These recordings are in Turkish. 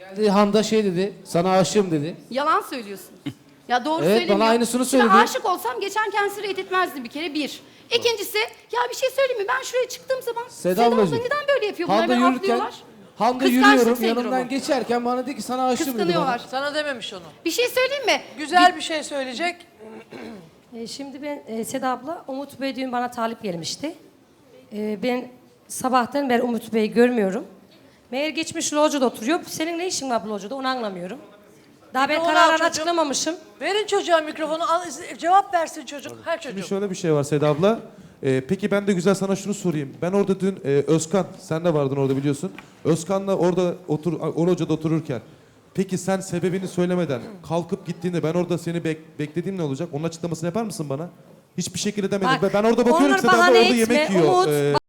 Geldi Handa şey dedi, sana aşığım dedi. Yalan söylüyorsun. Ya doğru Evet, söylemiyor. bana aynısını söyledi. Şimdi aşık olsam geçen kendisi reddetmezdim bir kere bir. İkincisi ya bir şey söyleyeyim mi? Ben şuraya çıktığım zaman Seda abla ablacığım, neden böyle yapıyor? Bunlar Handa beni yürürken, atlıyorlar. Handa Kıskançlık yürüyorum sendromu. yanımdan geçerken bana dedi ki sana aşığım dedi. Kıskanıyorlar. Sana dememiş onu. Bir şey söyleyeyim mi? Güzel bir şey söyleyecek. Şimdi ben Seda abla, Umut Bey dün bana talip gelmişti. Ben sabahtan beri Umut Bey'i görmüyorum. Meğer geçmiş locada oturuyor. Senin ne işin var bu locada onu anlamıyorum. Daha ben Mikrofonu al kararını çocuğum. açıklamamışım. Verin çocuğa mikrofonu. Cevap versin çocuk. Her Şimdi çocuk. şöyle bir şey var Seda abla. Peki ben de güzel sana şunu sorayım. Ben orada dün Özkan, sen de vardın orada biliyorsun. Özkan'la orada o locada otururken. Peki sen sebebini söylemeden kalkıp gittiğinde ben orada seni beklediğim ne olacak? Onun açıklamasını yapar mısın bana? Hiçbir şekilde demedim. Bak, Ben orada bakıyorum onları Seda abla bahane orada etme, yemek yiyor. Umut.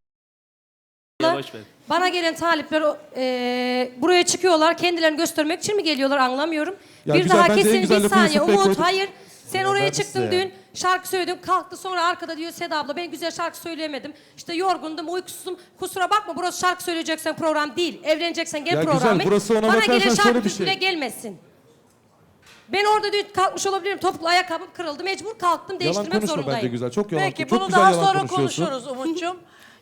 Bana gelen talipler buraya çıkıyorlar. Kendilerini göstermek için mi geliyorlar anlamıyorum. Ya bir güzel, daha bence en kesin güzel bir lafı saniye. Yusuf Bey Umut koydu. hayır. Sen oraya ben çıktın size dün. Şarkı söyledim. Kalktı sonra arkada diyor Seda abla ben güzel şarkı söyleyemedim. İşte yorgundum, uykusuzum. Kusura bakma burası şarkı söyleyeceksen program değil. Evleneceksen gel Ya program. güzel, burası ona Bana bakarsan gelen şöyle şarkı bir şey. bile gelmesin. Ben orada dün kalkmış olabilirim. Topuklu ayakkabım kırıldı. Mecbur kalktım. Yalan Değiştirmek konuşma zorundayım. bence güzel. Çok yalan. Peki çok bunu güzel daha yalan sonra konuşuyorsun. konuşuruz Umut'cum.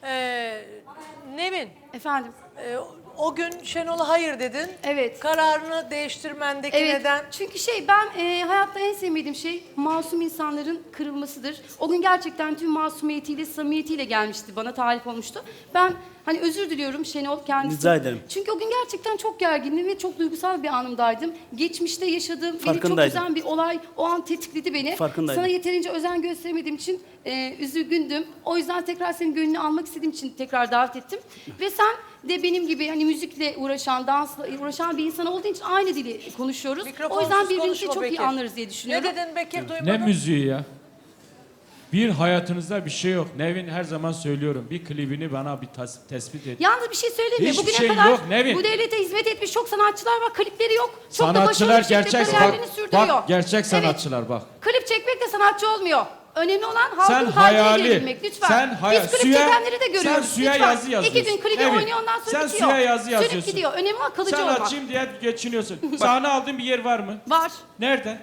Nevin, Efendim. o gün Şenol'a hayır dedin. Evet. Kararını değiştirmendeki Evet. neden? Çünkü ben hayatta en sevmediğim şey masum insanların kırılmasıdır. O gün gerçekten tüm masumiyetiyle, samimiyetiyle gelmişti. Bana talip olmuştu. Ben hani özür diliyorum Şenol kendisi. Rica ederim. Çünkü o gün gerçekten çok gergindim ve çok duygusal bir anımdaydım. Geçmişte yaşadığım beni çok Farkındaydım. üzen bir olay o an tetikledi beni. Farkındaydım. Sana yeterince özen gösteremediğim için üzgündüm. O yüzden tekrar senin gönlünü almak istediğim için tekrar davet ettim. Ve sen de benim gibi hani müzikle uğraşan, dansla uğraşan bir insan olduğun için aynı dili konuşuyoruz. O Mikrofonsuz yüzden birbirimizi konuşma çok iyi Bekir. anlarız diye Ne düşünüyorum. dedin Bekir Ne duymadın? müziği ya? Bir hayatınızda bir şey yok. Nevin her zaman söylüyorum. Bir klibini bana bir tespit et. Yalnız bir şey söyleyeyim mi? Hiçbir Bugüne şey kadar yok, Nevin. bu devlete hizmet etmiş çok sanatçılar var. Klipleri yok. Çok da Sanatçılar başarılı bir şekilde gerçek kariyerlerini sürdürüyor. bak gerçek Evet. sanatçılar bak. Klip çekmek de sanatçı olmuyor. Önemli olan Sen halkın kalbine hayali, girebilmek. Lütfen. sen hayal, Biz klip suya, çekenleri de görüyoruz. sen suya Lütfen. yazı yazıyorsun. 2 gün klibi Evet. oynuyor ondan sonra sen bitiyor. suya yazı Sönüp yazıyorsun. gidiyor. Önemli olan kalıcı olmak. Sanatçıyım diye geçiniyorsun. Sahne aldığın bir yer var mı? Var. Nerede?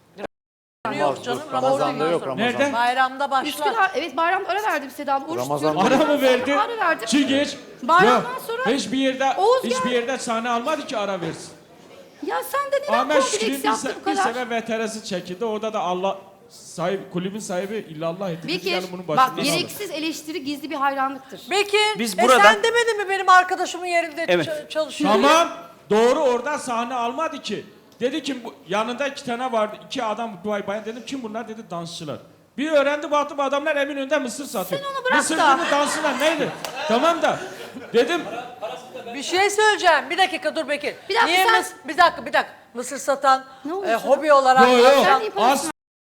Yok canım. Ramazan'da yok Ramazan. Nerede? Bayramda başlar. Üsküdar, evet bayramda ara verdim Seda abla. Oruç tutuyorum. Ara mı verdi? Ara verdim. Çiğgeç. Bayramdan Yok, sonra hiçbir yerde Oğuz hiçbir geldi. yerde sahne almadı ki ara versin. Ya sen de neden Ahmet kompleks Şükrü'nün yaptı bu bir kadar? sefer VTR'si çekildi. Orada da Allah kulübün sahibi illallah etti. Biz Bekir, yani bunun bak başında gereksiz eleştiri gizli bir hayranlıktır. Bekir, Biz burada- sen demedin mi benim arkadaşımın yerinde Evet. çalışıyor? Tamam. Doğru orada sahne almadı ki. Dedi ki yanında 2 tane vardı. 2 adam Duay bayan dedim kim bunlar dedi dansçılar. Bir öğrendi baktım adamlar Eminönü'nde mısır satıyor. Sen onu bırak mısır da. günü dansçılar neydi? Tamam da dedim Bir şey söyleyeceğim. Bir dakika dur Bekir. Bir dakika, Niye sen- bir dakika. Mısır satan Ne oldu sana? hobi olarak yo yo Sen iyi parasın.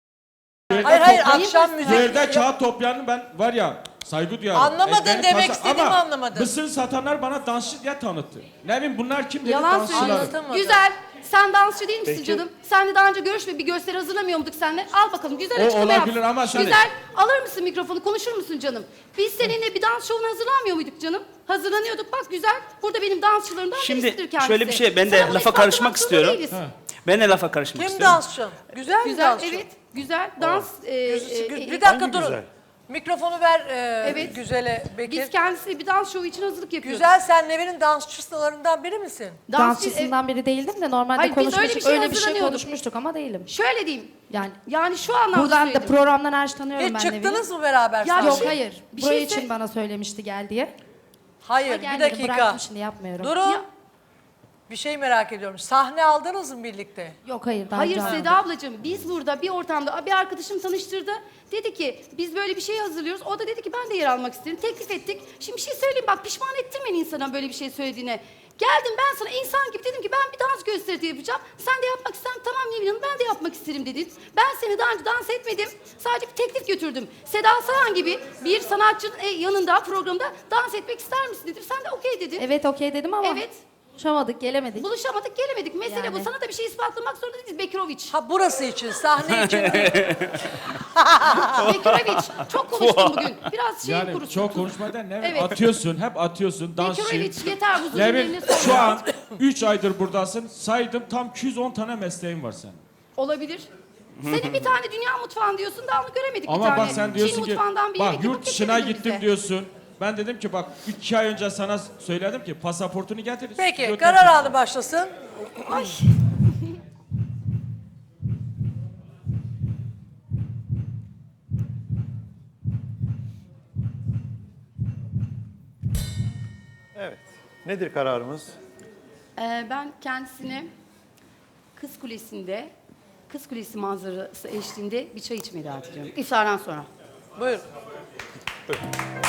Hayır Toplayayım akşam mı? müzik. yerde kağıt toplayanı ben var ya saygı duyarım. Anlamadın, Beni demek istediğimi ama anlamadın. mısır satanlar bana dansçı diye tanıttı. Ne bileyim bunlar kim dedi Yalan dansçılar. söylüyorsun. Anlatamadım. Güzel. Sen dansçı değil misin canım? Seninle daha önce görüşme bir gösteri hazırlamıyor muyduk seninle? Al bakalım güzel O açıklama yap. olabilir ama sen- Güzel. Alır mısın mikrofonu konuşur musun canım? Biz seninle bir dans şovuna hazırlanmıyor muyduk canım? Hazırlanıyorduk bak güzel. Burada benim dansçılarımdan Şimdi birisidir kendisi. şöyle bir şey, ben de Sana bunu lafa ispatlamak karışmak zorunda istiyorum. değiliz. Ben de lafa karışmak Kim istiyorum. dansçı? Güzel mi Güzel dansçı? evet. Güzel dans. Bir dakika durun. Mikrofonu ver Evet. Güzel'e Bekir. Biz kendisi bir dans şovu için hazırlık yapıyoruz. Güzel sen Nevin'in dansçılarından biri misin? Dansçısından biri değildim de normalde Hayır, biz öyle konuşmuştuk. bir şey Öyle bir şey hazırlanıyorduk. konuşmuştuk ama değilim. Şöyle diyeyim. Yani Yani şu anlamda buradan da söyledim. programdan her şey tanıyorum Hiç ben çıktınız Nevin'i. mı beraber? Ya sahne? Yok şey- hayır. bir Buraya şey için sö- bana söylemişti gel diye. Hayır Ama bir gelmedim, dakika. bıraktım şimdi yapmıyorum. Durun. Ya- Bir şey merak ediyorum. Sahne aldınız mı birlikte? Yok hayır. Daha Hayır önce Seda ablacığım biz burada bir ortamda bir arkadaşım tanıştırdı. Dedi ki biz böyle bir şey hazırlıyoruz. O da dedi ki ben de yer almak isterim. Teklif ettik. Şimdi bir şey söyleyeyim bak pişman ettirmeyin insana böyle bir şey söylediğine. Geldim ben sana insan gibi dedim ki ben bir dans gösterisi yapacağım. Sen de yapmak istersen tamam Nevin Hanım ben de yapmak isterim dedin. Ben seni daha önce dans etmedim. Sadece bir teklif götürdüm. Seda Sayan gibi bir sanatçının yanında programda dans etmek ister misin dedim. Sen de okey dedin. Evet okey dedim ama Evet. Buluşamadık, gelemedik. Buluşamadık, gelemedik. Mesele Yani. bu. Sana da bir şey ispatlamak zorunda değiliz Bekiroviç. Ha burası için, sahne için değil. Bekiroviç. Çok konuştun bugün. Biraz şey Yani kurusun. çok konuşmadan Nevin Evet. atıyorsun, hep atıyorsun, dansçı. Bekiroviç yeter huzurun Nevin yerine sor. şu an 3 aydır buradasın. Saydım tam 210 tane mesleğin var senin. Olabilir. Senin bir tane dünya mutfağın diyorsun daha onu göremedik bir Ama tane. bak sen diyorsun Çin ki mutfağından bir bak yemek yurt yapıp dışına getirmedin gittim bize. diyorsun. Ben dedim ki bak 2 ay önce sana söyledim ki pasaportunu getir. Peki stüdyo karar temsil- anı başlasın. Ay. Evet. Nedir kararımız? Ben kendisine Kız Kulesi'nde, Kız Kulesi manzarası eşliğinde bir çay içmeyi davet ediyorum. İftardan sonra. Buyurun.